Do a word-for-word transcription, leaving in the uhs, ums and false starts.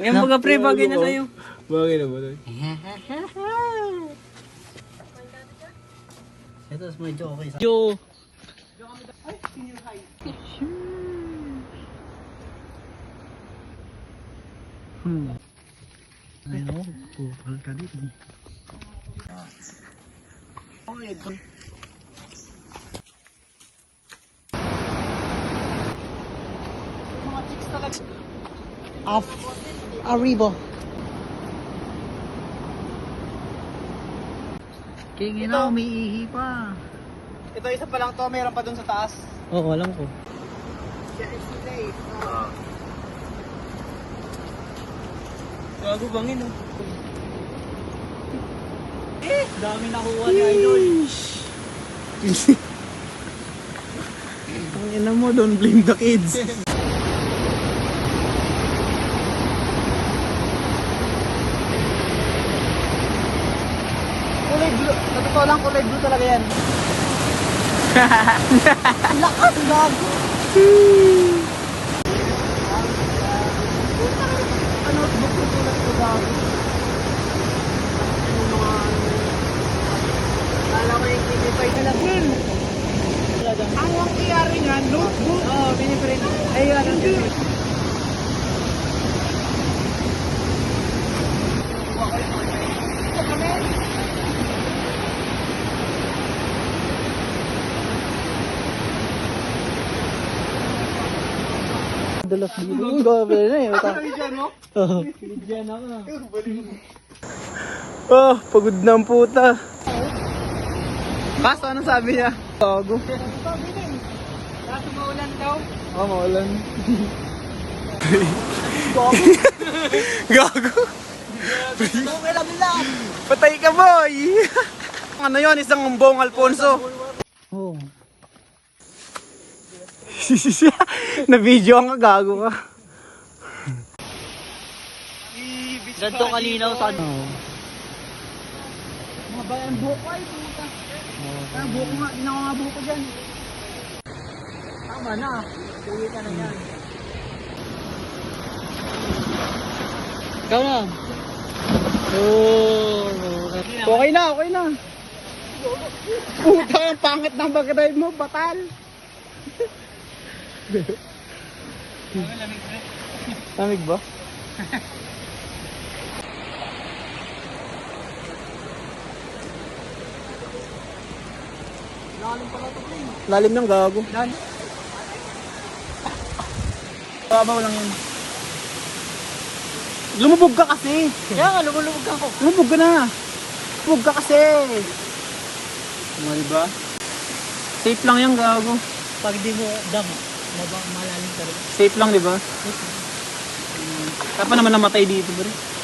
Yan mga pre, bagay na sa'yo. Bagay na ba ito? Ito, medyo okay sa... Yo! Hmm. Ayaw, pupal ka dito. Off Arriba. Kingin na, umiihi pa. Ito isa pa lang to, mayroon pa dun sa taas. Oo, alam ko. Gago bangin oh. Eh, dami nakuha ni Idol. Ang ina mo, don't blame the kids. Kulay blue. Sa totoo lang, kulay blue talaga yan. Lakas, gago. Ano, notebook ko tulad ko gago. Kala ko yung kinipay ka lang yun. Ang ang iyari nga, notebook. Oo, oh, piniprint. Ayun, ano yun. Dalas dito. Ang gabi na eh. Bigyan mo? Oo. Bigyan ako. Oh, pagod na ang puta. Kaso, ano sabi niya? Gago. Kaso maulan daw. Oo, oh, maulan. Gago. Okay lang lang. Patay ka, boy! Ano yon, isang buong Alfonso. Oo. Na-video ang gago ka. Ganto kalinaw sa ano. Mga bayan buhok ko ay puta. Ah, buhok ko nga, hindi na ako nga buhok ko dyan. Tama na, tuwi ka na yan. Ikaw na. Oo. Okay na, okay na. Puta, ang pangit ng pag-drive mo, batal. Lamig ba? Lalim pala ito, Play. Lalim ng gago. Lalim. Babaw lang yun. Lumubog ka kasi. Kaya nga, lumulubog ako. Lumubog ka na. Lumubog ka kasi. Ano diba? Safe lang yung gago. Pag di mo dam, mabang malalim ka rin. Safe lang, di ba? Kaya pa naman namatay dito, bro.